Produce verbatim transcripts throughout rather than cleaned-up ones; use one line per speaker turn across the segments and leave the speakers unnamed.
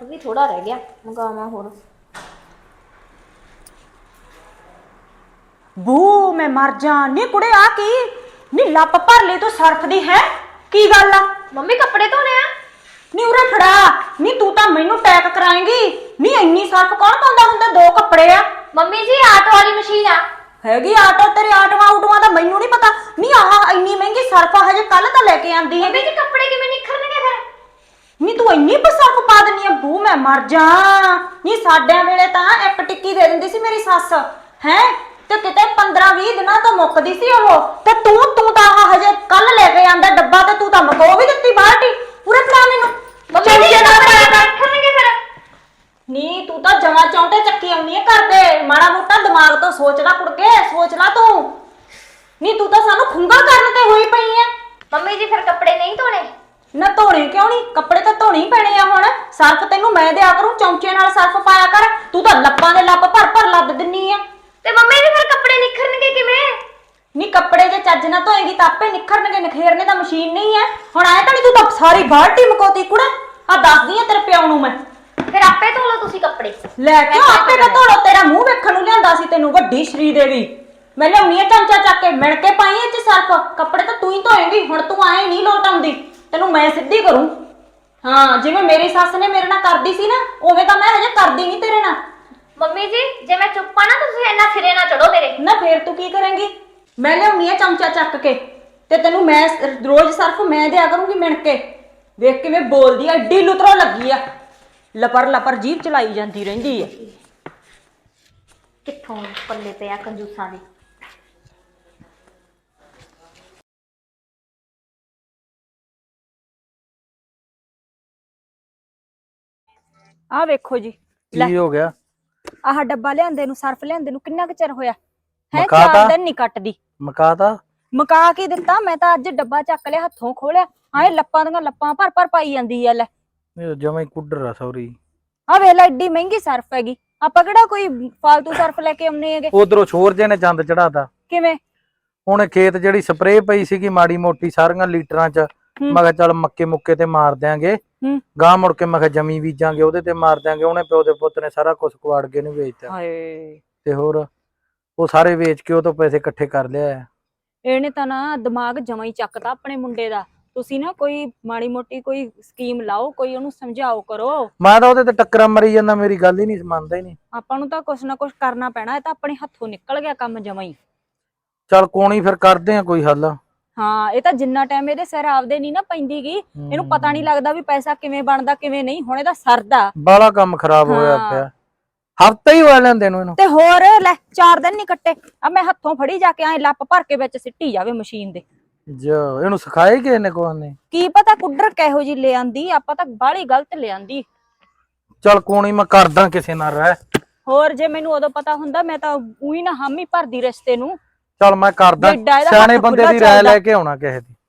भी थोड़ा रह गया मंगावा होर।
बू मैं मर जा नी कुड़े आ की नी लप भर ले तू सर्फ दी है की गल आ
मम्मी कपड़े धोने आ
नी उरे फड़ा नी तू तां मैनू टैक कराएंगी नी इन्नी सर्फ कौन पाउंदा हुंदा दो कपड़े आ
मम्मी जी आटो वाली मशीन आ
हैगी आटो तेरे आटवा उटवा दा मैनू नहीं पता नी आह इन्नी महंगी सर्फ हजे कल तां लेके आंदी है
मम्मी जी कपड़े किवें निखरनगे फिर
नी तू इन्नी सर्फ पा दिंदी है बू मैं मर जा नी साडे वेले तां एक टिक्की दे दिंदी सी मेरी सੱਸ है ते किते पंद्रह बीस दिनां तो मुक्कदी सी ओह ते तू तू तां हजे कल लेके आंदा डब्बा ते तू तां मको भी दित्ती बाल्टी पूरे फड़ा मैनू
मम्मी जी कपड़े निखरनगे फिर
नी तू तां जमा चौंटे चक्की आउंदी है घर दे माड़ा मोटा दिमाग तो सोच ला कुड़के सोच ला तू नी तू तां सानू खुंगा करन ते होई पई है
मम्मी जी फिर कपड़े नहीं धोने
ना धोने क्यों नहीं कपड़े तो धोने ही पैने आ हुण सर्फ तैनू मैं दिया करूं चौंचे नाल सर्फ पाया कर तू तां लप्पां दे लप भर भर लद दिन्नी आ
ते मम्मी जी फिर कपड़े निखरनगे किवें
नी कपड़े जे चज ना धोएगी तां आपे निखरनगे नखेरने दा मशीन नहीं है हुण आए तां नहीं तू तां सारी बाल्टी मकोती कुड़े आ दसदी आ तेरे प्यो नू मैं
फिर आपे धो लो तुसी कपड़े
ਲੈ ਕੇ ਆਪੇ ਤਾਂ ਧੋ ਲੋ ਤੇਰਾ ਮੂੰਹ ਵੇਖਣ ਨੂੰ ਲਿਆਂਦਾ ਸੀ ਤੈਨੂੰ ਵੱਡੀ ਸ਼੍ਰੀ ਦੇਵੀ ਮੈਂ ਲਿਆਉਣੀ ਆ ਚਮਚਾ ਚੱਕ ਕੇ ਮਿਣ ਕੇ ਪਾਈ ਇਹ ਚ ਸਰਫ ਕੱਪੜੇ ਤਾਂ ਤੂੰ ਹੀ ਧੋਏਂਗੀ ਹੁਣ ਤੂੰ ਆਏ ਨਹੀਂ ਲੋਟ ਆਉਂਦੀ ਤੈਨੂੰ ਮੈਂ ਸਿੱਧੀ ਕਰੂੰ ਹਾਂ ਜਿਵੇਂ ਮੇਰੀ ਸੱਸ ਨੇ ਮੇਰੇ ਨਾਲ ਕਰਦੀ ਸੀ ਨਾ ਉਵੇਂ ਤਾਂ ਮੈਂ ਹਜੇ ਕਰਦੀ ਨਹੀਂ ਤੇਰੇ ਨਾਲ
मम्मी जी जे मैं चुप आ ना तो तुसी इन्ना सिरे ना चढ़ो मेरे
ਨਾ ਫੇਰ ਤੂੰ ਕੀ ਕਰੇਂਗੀ ਮੈਂ ਲਿਆਉਣੀ ਆ ਚਮਚਾ ਚੱਕ ਕੇ ਤੇ ਤੈਨੂੰ ਮੈਂ ਰੋਜ਼ ਸਰਫ ਮੈਂ ਦਿਆ ਕਰੂੰਗੀ ਮਿਣ ਕੇ ਵੇਖ ਕਿਵੇਂ ਬੋਲਦੀ ਆ ਏਡੀ ਲੁਤਰੋ ਲੱਗੀ ਆ ਲਪਰ ਲਪਰ ਜੀਭ ਚਲਾਈ ਜਾਂਦੀ ਰਹਿੰਦੀ ਆ
कित्थों पल्ले पे आ कंजूसां दी
ਆ ਵੇਖੋ ਜੀ
ਕੀ ਹੋ ਗਿਆ
ਆਹ ਡੱਬਾ ਲਿਆਂਦੇ ਨੂੰ ਸਰਫ ਲਿਆਂਦੇ ਨੂੰ ਕਿੰਨਾ ਕੁ ਚਿਰ ਹੋਇਆ ਹੈ
ਮੁਕਾਤਾ?
ਚਾਰ ਦਿਨ ਨਹੀਂ ਕੱਟਦੀ
ਮਕਾਤਾ
ਮਕਾ ਕੇ ਦਿੱਤਾ ਮੈਂ ਤਾਂ ਅੱਜ ਡੱਬਾ ਚੱਕ ਲਿਆ ਹੱਥੋਂ ਖੋਲਿਆ ਆਏ ਲੱਪਾਂ ਦੀਆਂ ਲੱਪਾਂ ਭਰ ਭਰ ਪਾਈ ਜਾਂਦੀ ਆ ਲੈ
ਇਹ ਜਮਾ ਹੀ ਕੁੱਡਰ ਆ ਸੌਰੀ
ਆ ਵੇਖ ਲੈ ਏਡੀ ਮਹਿੰਗੀ ਸਰਫ ਹੈਗੀ ਆਪਾਂ ਕਿਹੜਾ ਕੋਈ ਫਾਲਤੂ ਸਰਫ ਲੈ ਕੇ ਆਉਨੇ ਹੈਗੇ
ਉਧਰੋਂ ਛੋਰ ਜੇ ਨੇ ਚੰਦ ਚੜਾਤਾ
ਕਿਵੇਂ
ਹੁਣ ਖੇਤ ਜਿਹੜੀ ਸਪਰੇਅ ਪਈ ਸੀਗੀ ਮਾੜੀ ਮੋਟੀ ਸਾਰੀਆਂ ਲੀਟਰਾਂ ਚ ਮੈਂ ਕਿਹਾ ਚੱਲ ਮੱਕੇ ਮੁੱਕੇ ਤੇ ਮਾਰ ਦਿਆਂਗੇ ਗਾਂ ਮੁੜ ਕੇ ਮੈਂ ਕਿਹਾ ਜਮੀ ਬੀਜਾਂਗੇ ਉਹਦੇ ਤੇ ਮਾਰ ਦਿਆਂਗੇ ਉਹਨੇ ਪਿਓ ਦੇ ਪੁੱਤ ਨੇ ਸਾਰਾ ਕੁਝ ਕੁਆੜ ਕੇ ਨਹੀਂ ਵੇਚਤਾ
ਹਾਏ
ਤੇ ਹੋਰ ਉਹ ਸਾਰੇ ਵੇਚ ਕੇ ਉਹ ਤੋਂ ਪੈਸੇ ਇਕੱਠੇ ਕਰ ਲਿਆ
ਇਹਨੇ ਤਾਂ ਨਾ ਦਿਮਾਗ ਜਮਾ ਹੀ ਚੱਕਦਾ ਆਪਣੇ ਮੁੰਡੇ ਦਾ ਤੁਸੀਂ ਨਾ ਕੋਈ ਮਾੜੀ ਮੋਟੀ ਕੋਈ ਸਕੀਮ ਲਾਓ ਕੋਈ ਉਹਨੂੰ ਸਮਝਾਓ ਕਰੋ
ਮੈਂ ਤਾਂ ਉਹਦੇ ਤੇ ਟੱਕਰਾਂ ਮਰੀ ਜਾਂਦਾ ਮੇਰੀ ਗੱਲ ਹੀ ਨਹੀਂ ਮੰਨਦਾ ਹੀ ਨਹੀਂ
ਆਪਾਂ ਨੂੰ ਤਾਂ ਕੁਛ ਨਾ ਕੁਛ ਕਰਨਾ ਪੈਣਾ ਇਹ ਤਾਂ ਆਪਣੇ ਹੱਥੋਂ ਨਿਕਲ ਗਿਆ ਕੰਮ ਜਮਾ ਹੀ
ਚੱਲ ਕੋਣੀ ਫਿਰ ਕਰਦੇ ਆ ਕੋਈ ਹੱਲ
ਹਾਂ ਇਹ ਤਾਂ ਜਿੰਨਾ ਟਾਈਮ ਇਹਦੇ ਸਿਰ ਆਪਦੇ ਨਹੀਂ ਨਾ ਪੈਂਦੀ ਗੀ ਇਹਨੂੰ ਪਤਾ ਨਹੀਂ ਲੱਗਦਾ ਵੀ ਪੈਸਾ ਕਿਵੇਂ ਬਣਦਾ ਕਿਵੇਂ ਨਹੀਂ ਹੁਣ ਇਹਦਾ ਸਰਦਾ
ਬਾਲਾ ਕੰਮ ਖਰਾਬ ਹੋਇਆ ਪਿਆ ਹਫਤਾ ਹੀ ਹੋਇਆ ਲੈਂਦੇ ਨੂੰ ਇਹਨੂੰ
ਤੇ ਹੋਰ ਲੈ ਚਾਰ ਦਿਨ ਨਹੀਂ ਕੱਟੇ ਆ ਮੈਂ ਹੱਥੋਂ ਫੜੀ ਜਾ ਕੇ ਐ ਲੱਪ ਭਰ ਕੇ ਵਿੱਚ ਸਿੱਟੀ ਜਾਵੇ ਮਸ਼ੀਨ ਦੇ
ਜੋ ਇਹਨੂੰ ਸਿਖਾਏ ਕਿਸੇ ਨੇ ਕੋਈ ਨੇ
ਕੀ ਪਤਾ ਕੁੱਡਰ ਕਿਹੋ ਜੀ ਲੈ ਆਂਦੀ ਆਪਾਂ ਤਾਂ ਬਾਹਲੀ ਗਲਤ ਲੈ ਆਂਦੀ
ਚੱਲ ਕੋਣੀ ਮੈਂ ਕਰਦਾ ਕਿਸੇ ਨਾਲ ਰਹਿ
ਹੋਰ ਜੇ ਮੈਨੂੰ ਉਦੋਂ ਪਤਾ ਹੁੰਦਾ ਮੈਂ ਤਾਂ ਉਹੀ ਨਾ ਹਾਮੀ ਭਰਦੀ ਰਿਸ਼ਤੇ ਨੂੰ
ਚੱਲ ਮੈਂ ਕਰਦਾ ਸਿਆਣੇ ਬੰਦੇ ਦੀ ਰਾਏ ਲੈ ਕੇ ਆਉਣਾ ਕਿਸੇ ਦੀ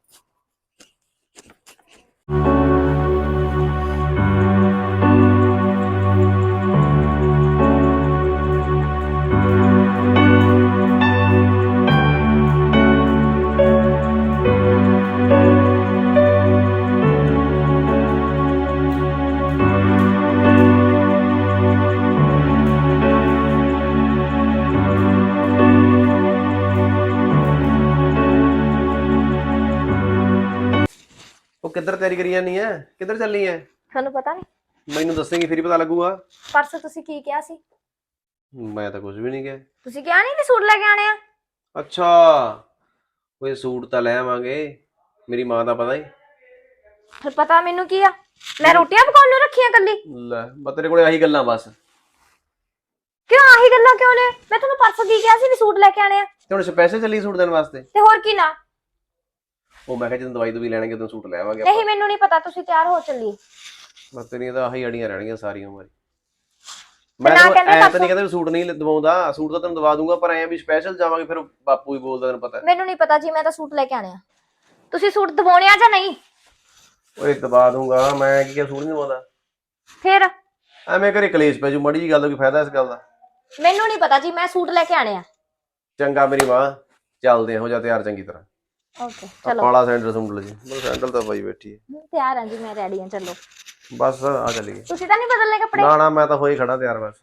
किधर तैयारी करी जानी है किधर चलनी है
थानू पता नहीं
मैनू दसेंगी फिर ही पता लगूगा
परसों तुसी की किया सी
मैं तो कुछ भी नहीं किया
तुसी क्या नहीं सूट लेके आने आ
अच्छा कोई सूट तो ले आवांगे मेरी मां का पता ही
फिर पता मेनू की आ मैं रोटियां पकाउण नूं रखियां कल्ली
ले मैं तेरे कोले आही गल्लां बस
क्यों आही गल्लां क्यों ने मैं थानू परसों की किया सी भी सूट लेके आने आ
ते हुण स्पेशल चली सूट देने वास्ते
ते होर की ना
ਉਹ ਮੈਂ ਕਿਹਾ ਜਦੋਂ ਦਵਾਈ ਦਵਾਈ ਲੈਣਗੇ ਉਦੋਂ ਸੂਟ ਲੈ ਆਵਾਂਗੇ
ਨਹੀਂ ਮੈਨੂੰ ਨਹੀਂ ਪਤਾ ਤੁਸੀਂ ਤਿਆਰ ਹੋ ਚੱਲੀ
ਬਸ ਤੇਰੀਆਂ ਤਾਂ ਆਹੀ ਅੜੀਆਂ ਰਹਿਣਗੀਆਂ ਸਾਰੀ ਉਮਰ
ਮੈਂ
ਤਾਂ ਨਹੀਂ ਕਹਿੰਦਾ ਸੂਟ ਨਹੀਂ ਦਵਾਉਂਦਾ ਸੂਟ ਤਾਂ ਤੈਨੂੰ ਦਵਾ ਦੂੰਗਾ ਪਰ ਐਂ ਵੀ ਸਪੈਸ਼ਲ ਜਾਵਾਂਗੇ ਫਿਰ ਬਾਪੂ ਹੀ ਬੋਲਦਾ ਤੈਨੂੰ ਪਤਾ
ਮੈਨੂੰ ਨਹੀਂ ਪਤਾ ਜੀ ਮੈਂ ਤਾਂ ਸੂਟ ਲੈ ਕੇ ਆਣੇ ਆ ਤੁਸੀਂ ਸੂਟ ਦਵਾਉਣੇ ਆ ਜਾਂ ਨਹੀਂ
ਓਏ ਦਵਾ ਦੂੰਗਾ ਮੈਂ ਕੀ ਕਿਹਾ ਸੂਟ ਨਹੀਂ ਦਵਾਉਂਦਾ
ਫਿਰ
ਐਵੇਂ ਘਰੇ ਕਲੇਸ਼ ਪੈ ਜੂ ਮੜੀ ਜੀ ਗੱਲ ਦਾ ਕੀ ਫਾਇਦਾ ਇਸ ਗੱਲ ਦਾ
ਮੈਨੂੰ ਨਹੀਂ ਪਤਾ ਜੀ ਮੈਂ ਸੂਟ ਲੈ ਕੇ ਆਣੇ ਆ
ਚੰਗਾ ਮੇਰੀ ਮਾਂ ਚੱਲਦੇ ਹੋ ਜਾ ਤਿਆਰ ਚੰਗੀ ਤਰ੍ਹਾਂ
ओके चलो
काला सैंडल सुंडल जी मतलब सैंडल तो भाई बैठी है
तैयार हैं जी मैं रेडी हूं चलो
ਬਸ ਆ ਚੱਲੀਏ।
ਤੁਸੀਂ ਤਾਂ ਨਹੀਂ ਬਦਲਨੇ ਕੱਪੜੇ?
ਨਾ ਨਾ ਮੈਂ ਤਾਂ ਹੋਈ ਖੜਾ ਤਿਆਰ ਬਸ।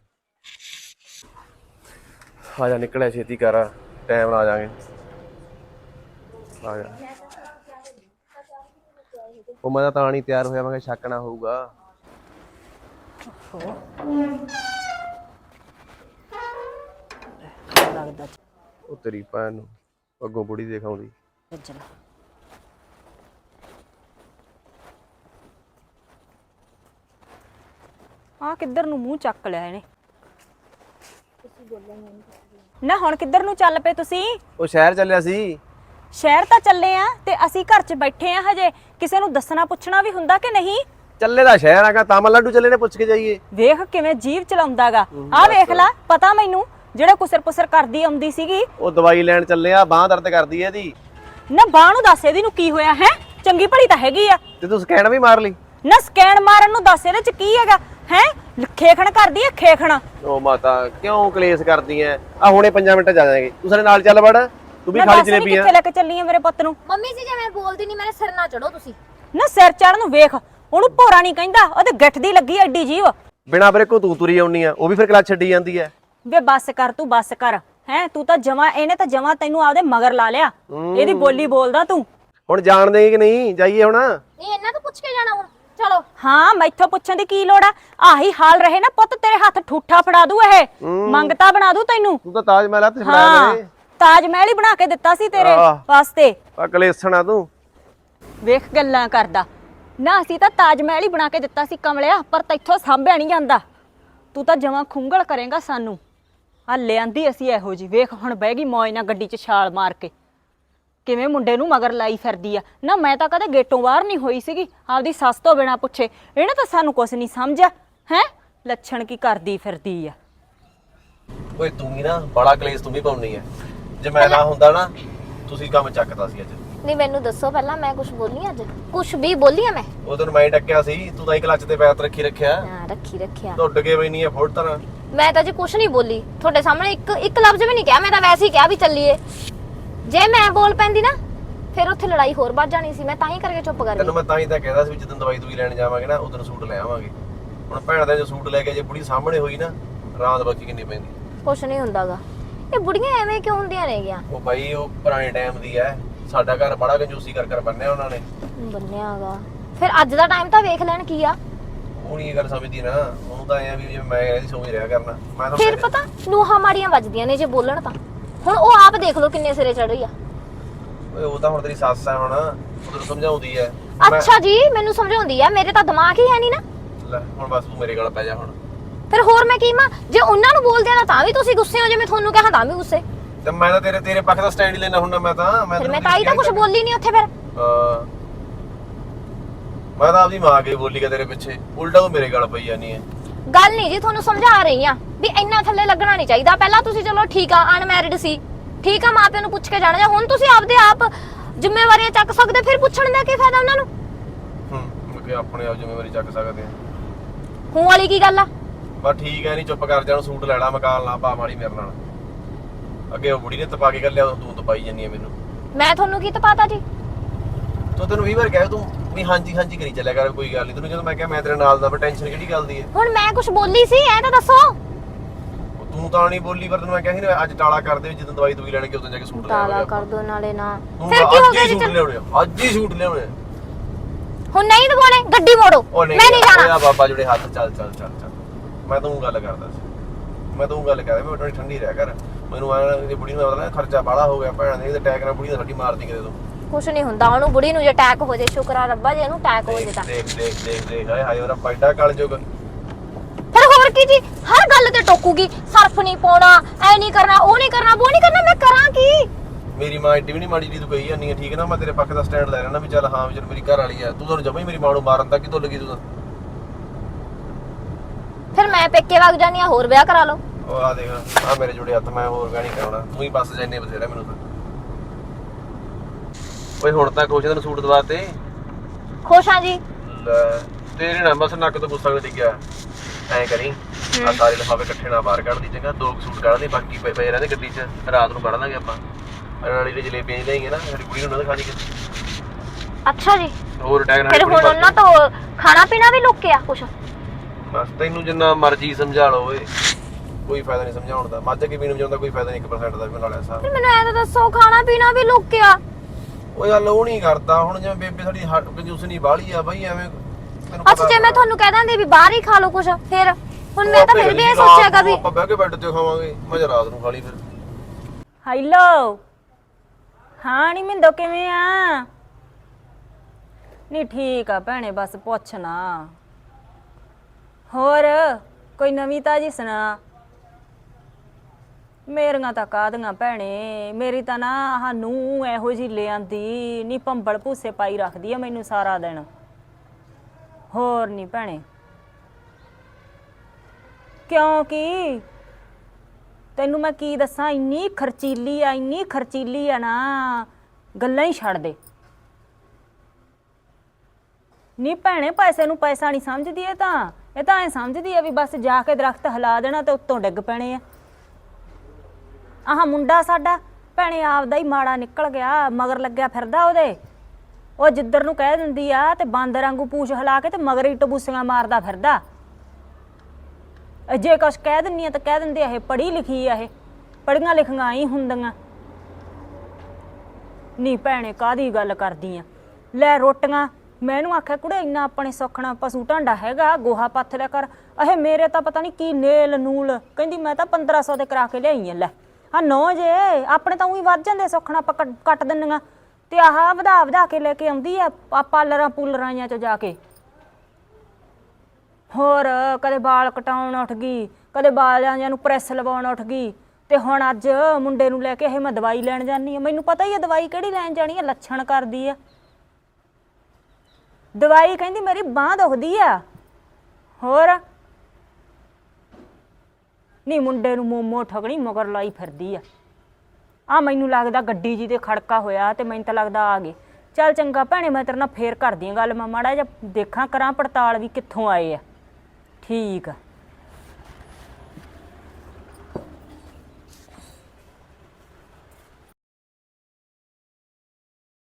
ਆ ਜਾ ਨਿਕਲਿਆ ਛੇਤੀ ਕਰ, ਟਾਈਮ ਨਾਲ ਆ ਜਾਾਂਗੇ। ਆ ਜਾ। ਉਹ ਮੈਂ ਤਾਂ ਨਹੀਂ ਤਿਆਰ ਹੋਇਆ, ਮੈਂ ਕਿਹਾ ਸ਼ੱਕ ਨਾ ਹੋਊਗਾ।
ਲੱਗਦਾ
ਉਹ ਤੇਰੀ ਭੈਣ ਨੂੰ ਅੱਗੋਂ ਬੁੜੀ ਦਿਖਾਉਂਦੀ।
ਚੱਲ ਆ ਕਿੱਧਰ ਨੂੰ ਮੂੰਹ ਚੱਕ ਲਿਆ ਇਹਨੇ। ਨਾ ਹੁਣ ਕਿੱਧਰ ਨੂੰ ਚੱਲ ਪਏ ਤੁਸੀਂ?
ਉਹ ਸ਼ਹਿਰ ਚੱਲਿਆ ਸੀ।
ਸ਼ਹਿਰ ਤਾਂ ਚੱਲੇ ਆ ਤੇ ਅਸੀਂ ਘਰ 'ਚ ਬੈਠੇ ਆ ਹਜੇ। ਕਿਸੇ ਨੂੰ ਦੱਸਣਾ ਪੁੱਛਣਾ ਵੀ ਹੁੰਦਾ ਕਿ ਨਹੀਂ?
ਚੱਲੇ ਦਾ ਸ਼ਹਿਰ ਆਗਾ, ਤਾਮਲ ਲੱਡੂ ਚੱਲੇ ਨੇ, ਪੁੱਛ ਕੇ ਜਾਈਏ।
ਵੇਖ ਕਿਵੇਂ ਜੀਭ ਚਲਾਉਂਦਾਗਾ। ਆ ਵੇਖ ਲੈ, ਪਤਾ ਮੈਨੂੰ ਜਿਹੜਾ ਕੁਸਰ ਪੁਸਰ ਕਰਦੀ ਆਉਂਦੀ ਸੀਗੀ।
ਉਹ ਦਵਾਈ ਲੈਣ ਚੱਲੇ ਆ, ਬਾਂਹ ਦਰਦ ਕਰਦੀ ਐ ਇਹਦੀ।
ਨਾ ਬਾਹ ਨੂੰ ਦੱਸ ਇਹਦੀ ਨੂੰ ਕੀ ਹੋਇਆ ਹੈ? ਚੰਗੀ ਭਲੀ ਤਾਂ ਹੈਗੀ ਆ।
ਤੇ ਤੂੰ ਸਕੈਨ ਵੀ ਮਾਰ ਲਈ?
ਨਾ ਸਕੈਨ ਮਾਰਨ ਨੂੰ ਦੱਸ ਇਹਦੇ 'ਚ ਕੀ ਹੈਗਾ ਹੈ? ਖੇਖਣ ਕਰਦੀ ਐ ਖੇਖਣ।
ਉਹ ਮਾਤਾ ਕਿਉਂ ਕਲੇਸ਼ ਕਰਦੀ ਐ? ਆ ਹੁਣੇ ਪੰਜਾਂ ਮਿੰਟ ਜਾ ਜਾਏਗੇ, ਤੂੰ ਸਾਡੇ ਨਾਲ ਚੱਲ ਵੜ। ਤੂੰ ਵੀ ਖਾਲੀ ਜਲੇਬੀ ਆ।
ਕਿੱਥੇ ਲੈ ਕੇ ਚੱਲੀ ਆ ਮੇਰੇ ਪੁੱਤ ਨੂੰ?
ਮੰਮੀ ਜੀ ਜੇ ਮੈਂ ਬੋਲਦੀ ਨਹੀਂ ਮੇਰੇ ਸਿਰ ਨਾ ਚੜੋ ਤੁਸੀਂ।
ਨਾ ਸਿਰ ਚੜਨ ਨੂੰ ਵੇਖ, ਉਹਨੂੰ ਭੋਰਾ ਨਹੀਂ ਕਹਿੰਦਾ, ਉਹਦੇ ਗਿੱਠ ਦੀ ਲੱਗੀ ਐਡੀ ਜੀਵ।
ਬਿਨਾ ਬਰੇ ਕੋ ਤੂੰ ਤੁਰੀ ਆਉਣੀ ਆ, ਉਹ ਵੀ ਫਿਰ ਕਲਾਸ ਛੱਡੀ ਜਾਂਦੀ ਐ।
ਵੇ ਬੱਸ ਕਰ ਤੂੰ, ਬੱਸ ਕਰ। ਹੈ ਤੂੰ ਤਾਂ ਜਮਾ, ਇਹਨੇ ਤਾਂ ਜਮਾ ਤੈਨੂੰ ਆਪਦੇ ਮਗਰ ਲਾ ਲਿਆ। ਇਹਦੀ ਬੋਲੀ ਬੋਲਦਾ ਤੂੰ।
ਹੁਣ ਜਾਣਦੇ ਕਿ ਨਹੀਂ? ਜਾਈਏ ਹੁਣ।
ਨਹੀਂ ਇਹਨਾਂ ਤੋਂ ਪੁੱਛ ਕੇ ਜਾਣਾ ਹੁਣ, ਚਲੋ।
ਹਾਂ ਮੈਥੋਂ ਪੁੱਛਣ ਦੀ ਕੀ ਲੋੜ ਆ? ਆਹੀ ਹਾਲ ਰਹੇ ਨਾ ਪੁੱਤ, ਤੇਰੇ ਹੱਥ ਠੂਠਾ ਫੜਾ ਦੂ ਇਹ, ਮੰਗਤਾ ਬਣਾ ਦੂ ਤੈਨੂੰ।
ਤੂੰ ਤਾਂ ਤਾਜ ਮਹਿਲ ਹੱਥ ਫੜਾ
ਹਾਂ
ਦੇ।
ਤਾਜ ਮਹਿਲ ਹੀ ਬਣਾ ਕੇ ਦਿੱਤਾ ਸੀ ਤੇਰੇ ਵਾਸਤੇ।
ਆ ਕਲੇਸ਼ਣਾ ਤੂੰ।
ਵੇਖ ਗੱਲਾਂ ਕਰਦਾ ਨਾ, ਅਸੀਂ ਤਾਂ ਤਾਜ ਮਹਿਲ ਹੀ ਬਣਾ ਕੇ ਦਿੱਤਾ ਸੀ ਕਮਲਿਆ, ਪਰ ਤੈਥੋਂ ਸਾਂਭਿਆ ਨਹੀਂ ਜਾਂਦਾ। ਤੂੰ ਤਾਂ ਜਮਾਂ ਖੁੰਗਲ ਕਰੇਗਾ ਸਾਨੂੰ। ਆ ਲਿਆਂਦੀ ਅਸੀਂ ਇਹੋ ਜੀ, ਵੇਖ ਹੁਣ ਬਹਿ ਗਈ ਮੌਜ ਨਾਲ ਗੱਡੀ 'ਚ ਛਾਲ ਮਾਰ ਕੇ, ਕਿਵੇਂ ਮੁੰਡੇ ਨੂੰ ਮਗਰ ਲਾਈ ਫਿਰਦੀ ਆ। ਨਾ ਮੈਂ ਤਾਂ ਕਦੇ ਗੇਟੋਂ ਬਾਹਰ ਨਹੀਂ ਹੋਈ ਸੀਗੀ ਆਪਦੀ ਸੱਸ ਤੋਂ ਬਿਨਾਂ ਪੁੱਛੇ। ਇਹਨੇ ਤਾਂ ਸਾਨੂੰ ਕੁਛ ਨਹੀਂ ਸਮਝਿਆ ਹੈ। ਲੱਛਣ ਕੀ ਕਰਦੀ ਫਿਰਦੀ ਆ।
ਓਏ ਤੂੰ ਵੀ ਨਾ ਬੜਾ ਕਲੇਸ਼ ਤੂੰ ਵੀ ਪਾਉਣੀ ਐ। ਜੇ ਮੈਂ ਨਾ ਹੁੰਦਾ ਨਾ, ਤੁਸੀਂ ਕੰਮ ਚੱਕਦਾ ਸੀ ਅੱਜ।
ਨਹੀਂ ਮੈਨੂੰ ਦੱਸੋ ਪਹਿਲਾਂ, ਮੈਂ ਕੁਝ ਬੋਲੀ ਅੱਜ? ਕੁਝ ਵੀ ਬੋਲੀ ਆ ਮੈਂ?
ਉਹ ਤੈਨੂੰ ਮੈਂ ਡੱਕਿਆ ਸੀ, ਤੂੰ ਤਾਂ ਹੀ ਕਲੱਚ ਤੇ ਪੈਰ ਰੱਖੀ ਰੱਖਿਆ।
ਹਾਂ ਰੱਖੀ ਰੱਖਿਆ।
ਟੁੱਟ ਕੇ ਬਈ ਨਹੀਂ ਐ ਫੁੱਟ ਤਰ੍ਹਾਂ।
ਮੈਂ ਤਾਂ ਜੀ ਕੁਝ ਨਹੀਂ ਬੋਲੀ ਤੁਹਾਡੇ ਸਾਹਮਣੇ, ਇੱਕ ਇੱਕ ਲਫ਼ਜ਼ ਵੀ ਨਹੀਂ ਕਿਹਾ। ਮੈਂ ਤਾਂ ਵੈਸੇ ਹੀ ਕਿਹਾ ਵੀ ਚੱਲੀਏ। ਜੇ ਮੈਂ ਬੋਲ ਪੈਂਦੀ ਨਾ ਫਿਰ ਉੱਥੇ ਲੜਾਈ ਹੋਰ ਵੱਧ ਜਾਣੀ ਸੀ। ਮੈਂ ਤਾਂ ਹੀ ਕਰਕੇ ਚੁੱਪ ਕਰ ਗਈ।
ਤੈਨੂੰ ਮੈਂ ਤਾਂ ਹੀ ਤਾਂ ਕਹਿੰਦਾ ਸੀ ਵੀ ਜਦੋਂ ਦਵਾਈ ਦੂਈ ਲੈਣ ਜਾਵਾਂਗੇ ਨਾ, ਉਦੋਂ ਸੂਟ ਲੈ ਆਵਾਂਗੇ। ਹੁਣ ਭੈਣ ਦਾ ਜੋ ਸੂਟ ਲੈ ਕੇ ਜੇ ਬੁੜੀ ਸਾਹਮਣੇ ਹੋਈ ਨਾ, ਰਾਤ ਬਾਕੀ ਕਿੰਨੀ ਪੈਂਦੀ।
ਕੁਛ ਨਹੀਂ ਹੁੰਦਾਗਾ। ਇਹ ਬੁੜੀਆਂ ਐਵੇਂ ਕਿਉਂ ਹੁੰਦੀਆਂ ਨੇਗੀਆਂ?
ਉਹ ਬਾਈ ਉਹ ਪੁਰਾਣੇ ਟਾਈਮ ਦੀ ਐ। ਸਾਡਾ ਘਰ ਬੜਾ ਕੰਜੂਸੀ ਕਰ ਕਰ ਬੰਨਿਆ ਉਹਨਾਂ ਨੇ।
ਬੰਨਿਆਗਾ ਫਿਰ ਅੱਜ ਦਾ ਟਾਈਮ ਤਾਂ ਵੇਖ ਲੈਣ ਕੀ ਆ।
ਉਹ ਨਹੀਂ ਇਹ ਗੱਲ ਸਮਝਦੀ ਨਾ, ਉਹਨੂੰ ਤਾਂ ਐ ਵੀ ਜਿਵੇਂ ਮੈਂ ਇਹਦੀ ਸੋਚ ਰਿਹਾ ਕਰਨਾ। ਮੈਂ ਤਾਂ
ਫਿਰ ਪਤਾ ਨੂਹਾਂ ਮਾੜੀਆਂ ਵੱਜਦੀਆਂ ਨੇ ਜੇ ਬੋਲਣ ਤਾਂ। ਹੁਣ ਉਹ ਆਪ ਦੇਖ ਲਓ ਕਿੰਨੇ ਸਿਰੇ ਚੜ੍ਹੀ ਆ।
ਓਏ ਉਹ ਤਾਂ ਹੁਣ ਤੇਰੀ ਸੱਸ ਐ, ਹੁਣ ਉਹ ਤੈਨੂੰ ਸਮਝਾਉਂਦੀ ਐ।
ਅੱਛਾ ਜੀ ਮੈਨੂੰ ਸਮਝਾਉਂਦੀ ਆ, ਮੇਰੇ ਤਾਂ ਦਿਮਾਗ ਹੀ ਹੈ ਨਹੀਂ ਨਾ।
ਲੈ ਹੁਣ ਬਸ ਤੂੰ ਮੇਰੇ ਗਲ ਪੈ ਜਾ ਹੁਣ।
ਫਿਰ ਹੋਰ ਮੈਂ ਕੀ ਮਾਂ? ਜੇ ਉਹਨਾਂ ਨੂੰ ਬੋਲਦੇ ਆ ਤਾਂ ਵੀ ਤੁਸੀਂ ਗੁੱਸੇ ਹੋ, ਜੇ ਮੈਂ ਤੁਹਾਨੂੰ ਕਹਾਂ ਤਾਂ ਵੀ ਗੁੱਸੇ।
ਤੇ ਮੈਂ ਤਾਂ ਤੇਰੇ ਤੇਰੇ ਪੱਖ ਦਾ ਸਟੈਂਡ ਹੀ ਲੈਣਾ ਹੁੰਦਾ। ਮੈਂ ਤਾਂ ਮੈਂ
ਫਿਰ ਮੈਂ ਤਾਂ ਹੀ ਤਾਂ ਕੁਝ ਬੋਲੀ ਨਹੀਂ ਉੱਥੇ। ਫਿਰ
ਹਾਂ ਮੈਂ ਤਾਂ ਆਪਦੀ ਮਾਂ ਕੇ ਬੋਲੀ ਕਿ ਤੇਰੇ ਪਿੱਛੇ, ਉਲਟਾ ਤੂੰ ਮੇਰੇ ਗਲ ਪਈ ਜਾਨੀ ਐ।
ਗੱਲ ਨਹੀਂ ਜੀ, ਤੁਹਾਨੂੰ ਸਮਝਾ ਰਹੀ ਆ ਵੀ ਇੰਨਾ ਥੱਲੇ ਲੱਗਣਾ ਨਹੀਂ ਚਾਹੀਦਾ। ਪਹਿਲਾਂ ਤੁਸੀਂ ਚਲੋ ਠੀਕ ਆ ਅਨਮੈਰਿਡ ਸੀ, ਠੀਕ ਆ, ਮਾਪਿਆਂ ਨੂੰ ਪੁੱਛ ਕੇ ਜਾਣਾ। ਜਾਂ ਹੁਣ ਤੁਸੀਂ ਆਪਦੇ ਆਪ ਜ਼ਿੰਮੇਵਾਰੀਆਂ ਚੱਕ ਸਕਦੇ, ਫਿਰ ਪੁੱਛਣ ਦਾ ਕੀ ਫਾਇਦਾ ਉਹਨਾਂ ਨੂੰ?
ਹੂੰ ਮੈਂ ਕਿ ਆਪਣੇ ਆਪ ਜ਼ਿੰਮੇਵਾਰੀ ਚੱਕ ਸਕਦੇ ਆ।
ਹੂੰ ਵਾਲੀ ਕੀ ਗੱਲ ਆ?
ਬਸ ਠੀਕ ਐ, ਨਹੀਂ ਚੁੱਪ ਕਰ ਜਾ। ਸੂਟ ਲੈ ਲਾ, ਮਕਾਲ ਨਾ ਪਾ ਮਾੜੀ ਮੇਰੇ ਨਾਲ। ਅੱਗੇ ਉਹ ਬੁੜੀ ਨੇ ਤਪਾ ਕੇ ਕਰ ਲਿਆ, ਤੂੰ ਤਪਾਈ ਜਾਨੀ ਐ ਮੈਨੂੰ।
ਮੈਂ ਤੁਹਾਨੂੰ ਕੀ ਤਪਾਤਾ ਜੀ?
ਤੂੰ ਤੈਨੂੰ ਵੀਹ ਵਾਰ ਕਹਿ ਤੂੰ ਵੀ ਹਾਂਜੀ ਹਾਂਜੀ ਕਰੀ ਚੱਲਿਆ ਕਰ, ਕੋਈ ਗੱਲ ਨਹੀਂ। ਤੈਨੂੰ ਜਦੋਂ ਮੈਂ ਕਿਹਾ ਮੈਂ ਤੇਰੇ ਨਾਲ ਦਾ, ਟੈਨਸ਼ਨ ਕਿਹੜੀ ਗੱਲ ਦੀ ਐ?
ਹੁਣ ਮੈਂ ਕੁਝ ਬੋਲੀ ਸੀ ਐ ਤਾਂ ਦੱਸੋ।
ਤੂੰ ਤਾਂ ਨਹੀਂ ਬੋਲੀ, ਪਰ ਤੈਨੂੰ ਮੈਂ ਕਿਹਾ ਸੀ ਨਾ ਅੱਜ ਟਾਲਾ ਕਰ ਦੇ, ਜਦੋਂ ਦਵਾਈ ਦੂਈ ਲੈਣ ਕੇ ਉਦੋਂ ਜਾ ਕੇ ਸੂਟ ਲੈ ਆਵਾਂਗੇ।
ਤਾਲਾ ਕਰ ਦੋ ਨਾਲੇ ਨਾ।
ਤੂੰ
ਫਿਰ ਕੀ ਹੋ ਗਿਆ
ਅੱਜ ਹੀ
ਜੀ?
ਸੂਟ ਲਿਆਉਣੇ ਆ, ਅੱਜ ਹੀ ਸੂਟ ਲਿਆਉਣੇ ਆ।
ਹੁਣ ਨਹੀਂ ਦਵਾਉਣੇ, ਗੱਡੀ ਮੋੜੋ।
ਉਹ
ਮੈਂ ਨਹੀਂ ਜਾਣਾ।
ਓਏ ਬਾਬਾ ਜਿਹੜੇ ਹੱਥ ਚੱਲ ਚੱਲ ਚੱਲ ਚੱਲ। ਮੈਂ ਤੂੰ ਗੱਲ ਕਰਦਾ ਸੀ, ਮੈਂ ਤੂੰ ਗੱਲ ਕਰਦਾ। ਮੈਂ ਥੋੜੀ ਠੰਡੀ ਰਹਿ ਕਰ। ਮੈਨੂੰ ਆਇਆ ਕਿ ਬੁੜੀ ਨੂੰ ਪਤਾ ਖਰਚਾ ਬਾੜਾ ਹੋ ਗਿਆ ਭੈਣ ਦੇ, ਤੇ ਅਟੈਕ ਨਾਲ ਬੁੜੀ ਦਾ ਸਾਡੀ ਮਾਰਦੀ ਕਿਤੇ ਤੋਂ।
ਕੁਛ ਨਹੀਂ ਹੁੰਦਾ ਉਹਨੂੰ, ਬੁੜੀ ਨੂੰ ਜੇ ਅਟੈਕ ਹੋ ਜਾਏ, ਸ਼ੁਕਰ ਆ ਰੱਬਾ ਜੇ ਇਹਨੂੰ ਅਟੈਕ ਹੋ ਜੇ ਤਾਂ।
ਦੇਖ ਦੇਖ ਦੇਖ ਦੇਖ ਹਾਏ ਹਾਏ, ਉਹਦਾ ਪੈਡਾ ਕਲ ਜੁਗ।
ਫਿਰ ਹੋਰ ਕੀ ਜੀ, ਹਰ ਗੱਲ ਤੇ ਟੋਕੂਗੀ। ਸਰਫ ਨਹੀਂ ਪਾਉਣਾ, ਐ ਨਹੀਂ ਕਰਨਾ, ਉਹ ਨਹੀਂ ਕਰਨਾ, ਉਹ ਨਹੀਂ ਕਰਨਾ। ਮੈਂ ਕਰਾਂ ਕੀ?
ਮੇਰੀ ਮਾਂ ਏਡੀ ਵੀ ਨਹੀਂ ਮਾੜੀ ਜੀ ਤੂੰ ਕਹੀ ਜਾਂਦੀ ਹੈ, ਠੀਕ ਹੈ ਨਾ। ਮੈਂ ਤੇਰੇ ਪੱਖ ਦਾ ਸਟੈਂਡ ਲੈ ਲੈਣਾ ਵੀ ਚੱਲ ਹਾਂ ਵੀ ਚੱਲ ਮੇਰੀ ਘਰ ਵਾਲੀ ਆ। ਤੂੰ ਤੁਹਾਨੂੰ ਜਮਾ ਹੀ ਮੇਰੀ ਮਾਂ ਨੂੰ ਮਾਰਨ ਤੱਕ ਹੀ ਤੁੱਲ ਗਈ ਤੂੰ ਤਾਂ।
ਫਿਰ ਮੈਂ ਪੇਕੇ ਵਗ ਜਾਨੀ ਆ, ਹੋਰ ਵਿਆਹ ਕਰਾ ਲਓ।
ਉਹ ਆ ਦੇਖ ਆ ਮੇਰੇ ਜੁੜੇ ਹੱਥ, ਮੈਂ ਹੋਰ ਵਿਆਹ ਨਹੀਂ ਕਰਾਉਣਾ। ਤੂੰ ਹੀ ਬਸ ਜਾਨੇ ਬਥੇਰਾ ਮੈਨੂੰ ਤਾਂ। ਓਏ ਹੁਣ ਤਾਂ ਖੁਸ਼ ਤੈਨੂੰ ਸੂਟ ਦਵਾ ਤੇ।
ਖੁਸ਼ ਆ ਜੀ।
ਲੈ ਤੇਰੇ ਨਾਲ ਬਸ ਨੱਕ ਤੋਂ ਗੁੱਸਾ ਡਿੱਗਿਆ। ਐ ਕਰੀ ਆ ਸਾਰੇ ਲਿਫਾਫੇ ਇਕੱਠੇ ਨਾਲ ਬਾਹਰ ਕੱਢ ਦੀ, ਚੰਗਾ। ਦੋ ਸੂਟ ਕੱਢ ਦੇ, ਬਾਕੀ ਪਏ ਪਏ ਰਹਿੰਦੇ ਗੱਡੀ 'ਚ, ਰਾਤ ਨੂੰ ਕੱਢ ਲਾਂਗੇ ਆਪਾਂ। ਨਾਲੇ ਜਿਹੜੀ ਜਲੇਬੀਆਂ ਲਿਆਈਆਂ ਨਾ, ਸਾਡੀ ਕੁੜੀ ਨੂੰ ਨਾ ਦਿਖਾ ਦੀ ਕਿਤੇ।
ਅੱਛਾ ਜੀ,
ਹੋਰ ਅਟੈਕ ਨਾਲ
ਫਿਰ
ਬੁੜੀ
ਹੁਣ
ਮਰ
ਉਹਨਾਂ ਤੋਂ ਖਾਣਾ ਪੀਣਾ ਵੀ ਲੁਕਿਆ ਕੁਛ?
ਬਸ ਤੈਨੂੰ ਜਿੰਨਾ ਮਰਜ਼ੀ ਸਮਝਾ ਲਓ ਓਏ, ਕੋਈ ਫਾਇਦਾ ਨਹੀਂ ਸਮਝਾਉਣ ਦਾ। ਮੱਝ ਕੇ ਪੀਣ ਜਾਂਦਾ ਕੋਈ ਫਾਇਦਾ ਨਹੀਂ, ਇੱਕ ਪਰਸੈਂਟ ਦਾ ਵੀ ਨਾਲ ਐਸਾ।
ਫਿਰ ਮੈਨੂੰ ਐ ਤਾਂ ਦੱਸੋ, ਖਾਣਾ ਪੀਣਾ ਵੀ ਲੁਕਿਆ?
ਉਹ ਗੱਲ ਉਹ ਨਹੀਂ ਕਰਦਾ ਹੁਣ, ਜਿਵੇਂ ਬੇਬੇ ਸਾਡੀ ਹੱਟ ਕੰਜੂਸ ਨਹੀਂ ਬਾਹਲੀ ਆ ਬਈ, ਐਵੇਂ ਤੈਨੂੰ
ਅੱਛਾ ਜੇ ਮੈਂ ਤੁਹਾਨੂੰ ਕਹਿ ਦਿੰਦੀ ਵੀ ਬਾਹਰ ਹੀ ਖਾ ਲਓ ਕੁਛ, ਫਿਰ ਹੁਣ ਮੈਂ ਤਾਂ ਫਿਰ ਵੀ ਇਹ
ਰਾਤ
ਸੋਚਿਆਗਾ
ਨੂੰ
ਵੀ
ਆਪਾਂ ਬਹਿ ਕੇ ਬੈੱਡ ਤੇ ਖਾਵਾਂਗੇ, ਮੈਂ ਕਿਹਾ ਰਾਤ ਨੂੰ ਖਾ ਲਈ ਫਿਰ।
ਹੈਲੋ, ਹਾਂ ਨੀ ਮਿੰਦੋ ਕਿਵੇਂ ਆ? ਨਹੀਂ ਠੀਕ ਆ ਭੈਣੇ, ਬਸ ਪੁੱਛ ਨਾ। ਹੋਰ ਕੋਈ ਨਵੀਂ ਤਾਜੀ ਸੁਣਾ। ਮੇਰੀਆਂ ਤਾਂ ਕਾਹਦੀਆਂ ਭੈਣੇ, ਮੇਰੀ ਤਾਂ ਨਾ ਆਹ ਨੂੰ ਇਹੋ ਜਿਹੀ ਲਿਆਂਦੀ ਨੀ, ਭੰਬਲ ਭੂਸੇ ਪਾਈ ਰੱਖਦੀ ਆ ਮੈਨੂੰ ਸਾਰਾ ਦਿਨ। ਹੋਰ ਨਹੀਂ ਭੈਣੇ, ਕਿਉਂਕਿ ਤੈਨੂੰ ਮੈਂ ਕੀ ਦੱਸਾਂ, ਇੰਨੀ ਖਰਚੀਲੀ ਆ, ਇੰਨੀ ਖਰਚੀਲੀ ਆ ਨਾ, ਗੱਲਾਂ ਹੀ ਛੱਡ ਦੇ। ਨੀ ਭੈਣੇ ਪੈਸੇ ਨੂੰ ਪੈਸਾ ਨਹੀਂ ਸਮਝਦੀ ਇਹ ਤਾਂ, ਇਹ ਤਾਂ ਐ ਸਮਝਦੀ ਆ ਵੀ ਬਸ ਜਾ ਕੇ ਦਰਖਤ ਹਿਲਾ ਦੇਣਾ ਤੇ ਉੱਤੋਂ ਡਿੱਗ ਪੈਣੇ ਆ। ਆਹ ਮੁੰਡਾ ਸਾਡਾ ਭੈਣੇ ਆਪਦਾ ਹੀ ਮਾੜਾ ਨਿਕਲ ਗਿਆ, ਮਗਰ ਲੱਗਿਆ ਫਿਰਦਾ ਉਹਦੇ। ਉਹ ਜਿੱਧਰ ਨੂੰ ਕਹਿ ਦਿੰਦੀ ਆ ਤੇ ਬਾਂਦਰ ਵਾਂਗੂ ਪੂਛ ਹਿਲਾ ਕੇ ਤੇ ਮਗਰ ਹੀ ਟਬੂਸੀਆਂ ਮਾਰਦਾ ਫਿਰਦਾ। ਜੇ ਕੁਛ ਕਹਿ ਦਿੰਨੀ ਆ ਤਾਂ ਕਹਿ ਦਿੰਦੇ ਇਹ ਪੜ੍ਹੀ ਲਿਖੀ ਆ, ਇਹ ਪੜ੍ਹੀਆਂ ਲਿਖੀਆਂ ਹੀ ਹੁੰਦੀਆਂ। ਨੀ ਭੈਣੇ ਕਾਹਦੀ ਗੱਲ ਕਰਦੀ ਆ, ਲੈ ਰੋਟੀਆਂ ਮੈਨੂੰ ਆਖਿਆ ਕੁੜੇ ਇੰਨਾ ਆਪਣੇ ਸੁੱਖਣਾ ਪਸ਼ੂ ਢਾਂਡਾ ਹੈਗਾ, ਗੋਹਾ ਪੱਥ ਲਿਆ ਕਰ। ਇਹ ਮੇਰੇ ਤਾਂ ਪਤਾ ਨਹੀਂ ਕੀ ਨੇਲ ਨੂਲ, ਕਹਿੰਦੀ ਮੈਂ ਤਾਂ ਪੰਦਰਾਂ ਸੌ ਦੇ ਕਰਾ ਕੇ ਲਿਆਈ ਆ। ਲੈ ਹਾਂ ਨੌ ਜੇ ਆਪਣੇ ਤਾਂ ਉਹੀ ਵੱਧ ਜਾਂਦੇ, ਸੁੱਖਣਾ ਆਪਾਂ ਕੱਟ ਦਿੰਦੀਆਂ, ਤੇ ਆਹ ਵਧਾ ਵਧਾ ਕੇ ਲੈ ਕੇ ਆਉਂਦੀ ਆ ਪਾਰਲਰਾਂ ਪੂਲਰਾਂ ਚੋਂ ਜਾ ਕੇ। ਹੋਰ ਕਦੇ ਵਾਲ ਕਟਾਉਣ ਉੱਠ ਗਈ, ਕਦੇ ਬਾਲਾਂ ਜਿਆਂ ਨੂੰ ਪ੍ਰੈਸ ਲਵਾਉਣ ਉੱਠ ਗਈ, ਤੇ ਹੁਣ ਅੱਜ ਮੁੰਡੇ ਨੂੰ ਲੈ ਕੇ ਇਹ ਮੈਂ ਦਵਾਈ ਲੈਣ ਜਾਨੀ ਆ। ਮੈਨੂੰ ਪਤਾ ਹੀ ਆ ਦਵਾਈ ਕਿਹੜੀ ਲੈਣ ਜਾਣੀ ਆ, ਲੱਛਣ ਕਰਦੀ ਆ ਦਵਾਈ। ਕਹਿੰਦੀ ਮੇਰੀ ਬਾਂਹ ਦੁਖਦੀ ਆ। ਹੋਰ ਨਹੀਂ ਮੁੰਡੇ ਨੂੰ ਮੋਮੋ ਠਗਣੀ ਮਗਰ ਲਾਈ ਫਿਰਦੀ ਆ। ਆ ਮੈਨੂੰ ਲੱਗਦਾ ਗੱਡੀ ਜੀ ਤੇ ਖੜਕਾ ਹੋਇਆ, ਤੇ ਮੈਨੂੰ ਤਾਂ ਲੱਗਦਾ ਆ ਗਏ। ਚੱਲ ਚੰਗਾ ਭੈਣੇ, ਮੈਂ ਤੇਰੇ ਨਾਲ ਫੇਰ ਕਰਦੀ ਆ ਗੱਲ, ਮੈਂ ਮਾੜਾ ਜਿਹਾ ਦੇਖਾਂ ਕਰਾਂ ਪੜਤਾਲ ਵੀ ਕਿੱਥੋਂ ਆਏ ਆ। ਠੀਕ ਆ।